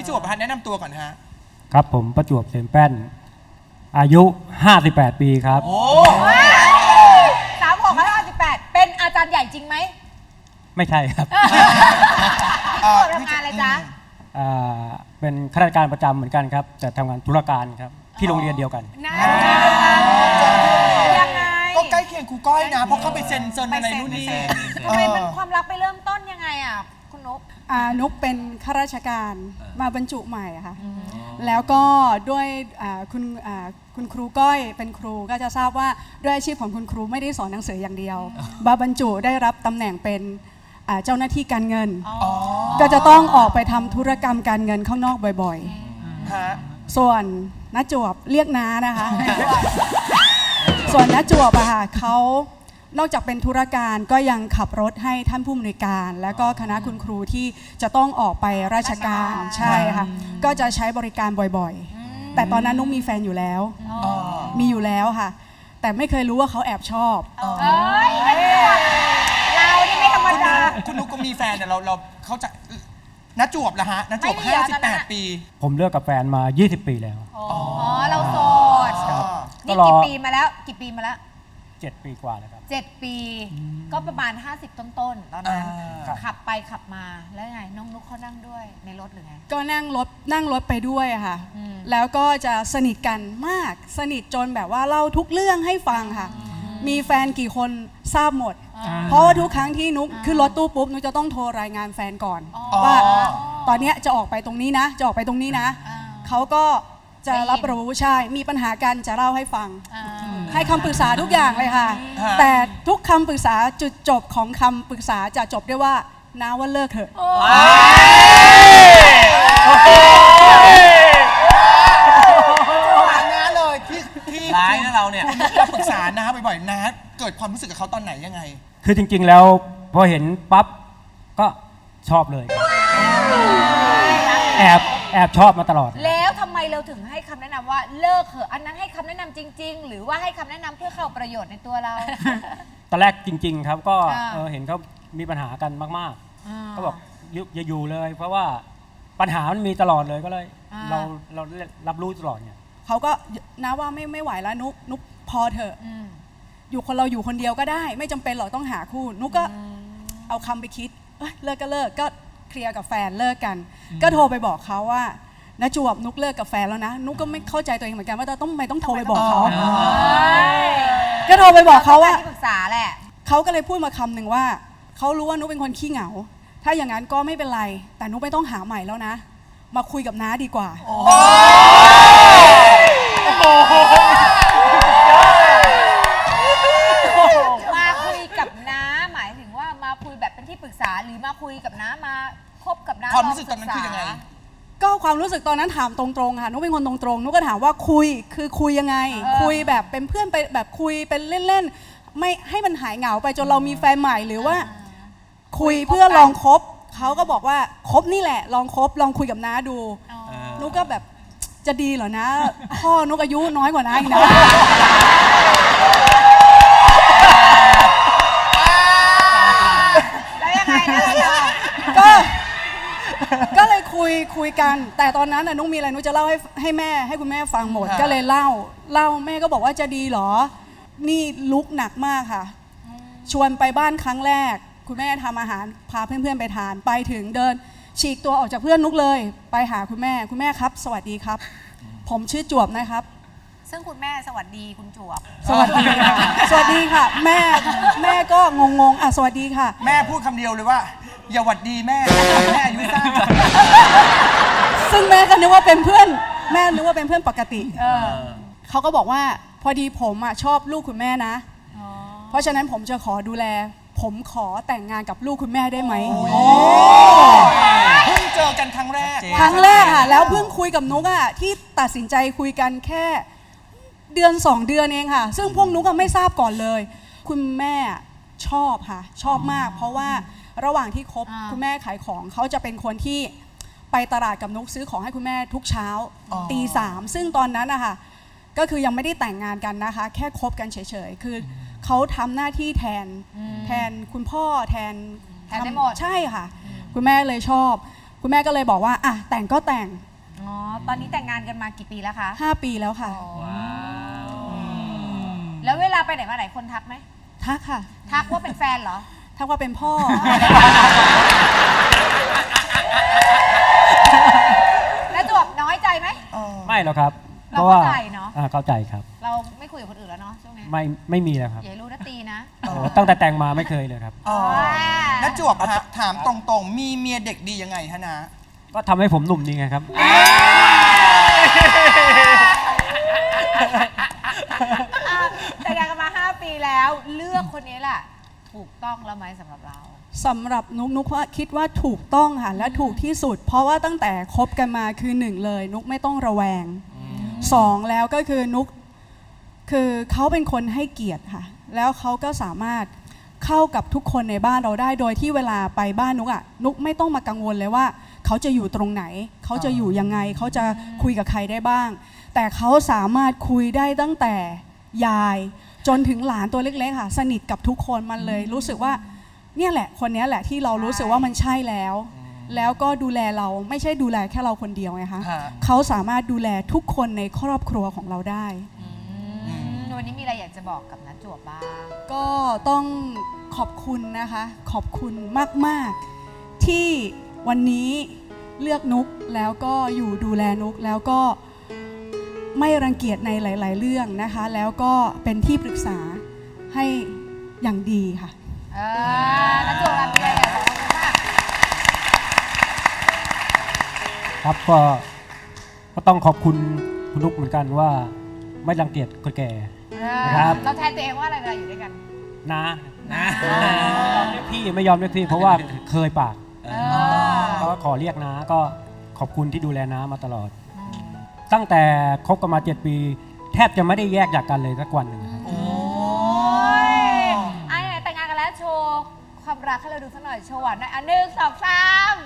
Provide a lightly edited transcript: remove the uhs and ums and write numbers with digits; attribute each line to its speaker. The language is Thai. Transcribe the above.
Speaker 1: พี่จวบแนะนำตัวก่อนฮะ
Speaker 2: ครับผมประจวบเสมแป้นอายุ58ปีครับ
Speaker 1: โอ้
Speaker 3: 36-58เป็นอาจารย์ใหญ่จริงไหม
Speaker 2: ไม่ใช่ครับ
Speaker 3: ทำงานอะไรจ๊ะ
Speaker 2: เป็นข้าราชการประจำเหมือนกันครับแต่ทำงานธุรการครับที่โรงเรียนเดียวกัน
Speaker 3: ยังไง
Speaker 1: ก็ใกล้เคียงครูก้อยนะเพราะเขาไปเซ็นอะไรนู่นนี่
Speaker 3: ทำไมเป็นความรักไปเริ่มต้นยังไงอ่ะคุณนุ๊ก
Speaker 4: นุ๊กเป็นข้าราชการมาบรรจุใหม่ค่ะแล้วก็ด้วยคุณครูก้อยเป็นครูก็จะทราบว่าด้วยอาชีพของคุณครูไม่ได้สอนหนังสืออย่างเดียวบรรจุได้รับตำแหน่งเป็นเจ้าหน้าที่การเงินก็จะต้องออกไปทำธุรกรรมการเงินข้างนอกบ่อยๆส่วนน้าจวบเรียกน้านะคะส่วนน้าจวบอะค่ะเขานอกจากเป็นธุรการก็ยังขับรถให้ท่านผู้อำนวยการแล้วก็คณะคุณครูที่จะต้องออกไปราชการใช่ค่ะก็จะใช้บริการบ่อยๆแต่ตอนนั้นนุ๊กมีแฟนอยู่แล้วมีอยู่แล้วค่ะแต่ไม่เคยรู้ว่าเขาแอบชอบ
Speaker 3: เรานี่ไม่ธรรมดา
Speaker 1: คุณนุ๊กก็มีแฟนแต่เราเขาจะน้าจวบละฮะน้าจวบ58ปี
Speaker 2: ผมเลิกกับแฟนมา20ปีแล้ว
Speaker 3: เราโสดนี่กี่ปีมาแล้ว
Speaker 2: 7 ปีกว่าแล้วครับ
Speaker 3: 7 ปีก็ประมาณ50ต้นๆตอนนั้นขับไปขับมาแล้วไงน้องนุ๊กเขานั่งด้วยในรถหรือไง
Speaker 4: ก็นั่งรถไปด้วยค่ะแล้วก็จะสนิทกันมากสนิทจนแบบว่าเล่าทุกเรื่องให้ฟังค่ะมีแฟนกี่คนทราบหมดเพราะว่าทุกครั้งที่นุ๊กขึ้นรถตู้ปุ๊บนุ๊กจะต้องโทรรายงานแฟนก่อนว่าตอนนี้จะออกไปตรงนี้นะจะออกไปตรงนี้นะเขาก็จะรับรู้ใช่มีปัญหากันจะเล่าให้ฟังให้คำปรึกษาทุกอย่างเลยค่ะแต่ทุกคำปรึกษาจุดจบของคำปรึกษาจะจบด้วยว่าน้าว่าเลิกเถอะ
Speaker 1: น้าเลยที่
Speaker 5: ร้ายนะเราเนี่ย
Speaker 1: เราปรึกษาน้าบ่อยๆน้าเกิดความรู้สึกกับเขาตอนไหนยังไง
Speaker 2: คือจริงๆแล้วพอเห็นปั๊บก็ชอบเลยแอบชอบมาตลอด
Speaker 3: แล้วทำไมเราถึงให้คำแนะนำว่าเลิกเถอะอันนั้นให้คำแนะนำจริงๆหรือว่าให้คำแนะนำเพื่อเข้าประโยชน์ในตัวเรา
Speaker 2: ตอนแรกจริงๆครับก็เห็นเขามีปัญหากันมากๆก็บอกอย่าอยู่เลยเพราะว่าปัญหามันมีตลอดเลยก็เลยเรารับรู้ตลอดเนี่ย
Speaker 4: เขาก็นะว่าไม่ไหวแล้วนุ๊กพอเถอะอยู่คนเดียวก็ได้ไม่จำเป็นหรอกต้องหาคู่นุ๊กก็เอาคำไปคิดเลิกก็เลิกก็เคลียร์กับแฟนเลิกกันก็โทรไปบอกเขาว่าน้าจวบนุ๊กเลิกกับแฟนแล้วนะนุ๊กก็ไม่เข้าใจตัวเองเหมือนกันว่าต้องโทรไปบอกเขาก็โทรไปบอกเขาว่า
Speaker 3: ที่ปรึกษาแหละ
Speaker 4: เขาก็เลยพูดมาคำหนึ่งว่าเขารู้ว่านุ๊กเป็นคนขี้เหงาถ้าอย่างนั้นก็ไม่เป็นไรแต่นุ๊กไม่ต้องหาใหม่แล้วนะมาคุยกับน้าดีกว่า
Speaker 3: มาคุยกับน้าหมายถึงว่ามาคุยแบบเป็นที่ปรึกษาหรือมาคุยกับน้ามาคบกับน้า
Speaker 1: ความรู้สึกตอนนั้นคือยังไง
Speaker 4: ก็ความรู้สึกตอนนั้นถามตรงๆค่ะนุ๊กเป็นคนตรงๆนุ๊กก็ถามว่าคุยยังไงคุยแบบเป็นเพื่อนไปแบบคุยเป็นเล่นๆไม่ให้มันหายเหงาไปจนเรามีแฟนใหม่หรือว่าคุยเพื่อลองคบเขาก็บอกว่าคบนี่แหละลองคบลองคุยกับน้าดูนุ๊กก็แบบจะดีเหรอนะพ่อนุ๊กอายุน้อยกว่าน้าอีกนะ
Speaker 3: แล้วยังไง
Speaker 4: ก็เลยคุยกันแต่ตอนนั้นนุ๊กมีอะไรนุ๊กจะเล่าให้คุณแม่ฟังหมดก็เลยเล่าแม่ก็บอกว่าจะดีเหรอนี่ลุกหนักมากค่ะชวนไปบ้านครั้งแรกคุณแม่ทำอาหารพาเพื่อนๆไปทานไปถึงเดินฉีกตัวออกจากเพื่อนนุ๊กเลยไปหาคุณแม่ครับสวัสดีครับผมชื่อจวบนะครับ
Speaker 3: ซึ่งคุณแม่สวัสดีคุณจวบ
Speaker 4: สวัสดีค่ะสวัสดีค่ะแม่ก็งงสวัสดีค่ะ
Speaker 1: แม่พูดคำเดียวเลยว่าอย่าหวัดดีแม่อายุสั้น
Speaker 4: ซึ่งแม่ก็นึกว่าเป็นเพื่อนแม่นึกว่าเป็นเพื่อนปกติเขาก็บอกว่าพอดีผมชอบลูกคุณแม่นะเพราะฉะนั้นผมจะขอดูแลผมขอแต่งงานกับลูกคุณแม่ได้ไหม
Speaker 1: เพิ่งเจอกันครั้งแรก
Speaker 4: ค่ะแล้วเพิ่งคุยกับนุ๊กที่ตัดสินใจคุยกันแค่เดือน2 เดือนเองค่ะซึ่งพวกนุ๊กไม่ทราบก่อนเลยคุณแม่ชอบค่ะชอบมากเพราะว่าระหว่างที่คบคุณแม่ขายของเขาจะเป็นคนที่ไปตลาดกับนุ๊กซื้อของให้คุณแม่ทุกเช้าตี 3ซึ่งตอนนั้นนะคะก็คือยังไม่ได้แต่งงานกันนะคะแค่คบกันเฉยๆคือเขาทำหน้าที่แทนคุณพ่อแทน
Speaker 3: ได้หมด
Speaker 4: ใช่ค่ะคุณแม่เลยชอบคุณแม่ก็เลยบอกว่าอ่ะแต่งก็แต่ง
Speaker 3: อ๋อ ตอนนี้แต่งงานกันมากี่ปีแล้วคะ
Speaker 4: 5 ปีแล้วค่ะ
Speaker 3: แล้วเวลาไปไหนมาไหนคนทักไหม
Speaker 4: ทักค่ะ
Speaker 3: ทักว่าเป็นแฟนเหรอ
Speaker 4: ทักว่าเป็นพ่อ
Speaker 3: แล้วจวบน้อยใจไหม
Speaker 2: ไม่หรอกครับ
Speaker 3: เราเข้าใจเนอะ
Speaker 2: เข้าใจครับ
Speaker 3: เราไม่คุยกับคนอื่นแล้วเนาะช่วงนี้
Speaker 2: ไม่มีแล้วครับ
Speaker 3: อย่าให้รู้นะตีนะ
Speaker 2: โอ้ตั้งแต่แต่งมาไม่เคยเลยครับ
Speaker 1: อ๋อน้าจวบฮะถามตรงๆ มีเมียเด็กดียังไงฮะนะ
Speaker 2: ก็ทำให้ผมหนุ่มดีไงครับ
Speaker 3: แต่งงานกันมา 5 ปีแล้วเลือกคนนี้แหละถูกต้องแล้วไหมสำหรับเรา
Speaker 4: สำหรับนุกว่าคิดว่าถูกต้องค่ะและถูกที่สุด เพราะว่าตั้งแต่คบกันมาคือ1เลยนุกไม่ต้องระแวง2แล้วก็คือนุกคือเขาเป็นคนให้เกียรติค่ะแล้วเขาก็สามารถเข้ากับทุกคนในบ้านเราได้โดยที่เวลาไปบ้านนุกอ่ะนุกไม่ต้องมากังวลเลยว่าเขาจะอยู่ตรงไหนเขาจะอยู่ยังไงเขาจะคุยกับใครได้บ้าง แต่เขาสามารถคุยได้ตั้งแต่ยายจนถึงหลานตัวเล็กๆค่ะสนิทกับทุกคนมันเลยรู้สึกว่าเนี่ยแหละคนนี้แหละที่เรารู้สึกว่ามันใช่แล้ว แล้วก็ดูแลเราไม่ใช่ดูแลแค่เราคนเดียวไงคะ
Speaker 1: ฮะ
Speaker 4: เขาสามารถดูแลทุกคนในครอบครัวของเราได้
Speaker 3: วันนี้มีอะไรอยากจะบอกกับน้าจวบบ้าง
Speaker 4: ก็ต้องขอบคุณนะคะ ขอบคุณมากๆที่วันนี้เลือกนุกแล้วก็อยู่ดูแลนุกแล้วก็ไม่รังเกียจในหลาย ๆ เรื่องนะคะ แล้วก็เป็นที่ปรึกษาให้อย่างดีค่ะ
Speaker 3: น้าจวบมีอะไรอยากบอกน้องบ้าง
Speaker 2: ครับก็ต้องขอบคุณคุณนุกเหมือนกันว่าไม่รังเกียจคนแก่ ครับ
Speaker 3: เราแทนตัวเองว่าอะไรเวลาอยู่ด้วยกัน
Speaker 2: นะเรียกพี่ไม่ยอมเรียกพี่ เพราะว่าเคยปากก็ขอเรียกนะก็ขอบคุณที่ดูแลน้ามาตลอด ตั้งแต่คบกันมา 7 ปี แทบจะไม่ได้แยกจากกันเลยสักวันหนึ่งครับ
Speaker 3: โอ้ยไหนแต่งงานกันแล้วโชว์ความรักให้เราดูสักหน่อยโชว์หวานหน่อย1 2 3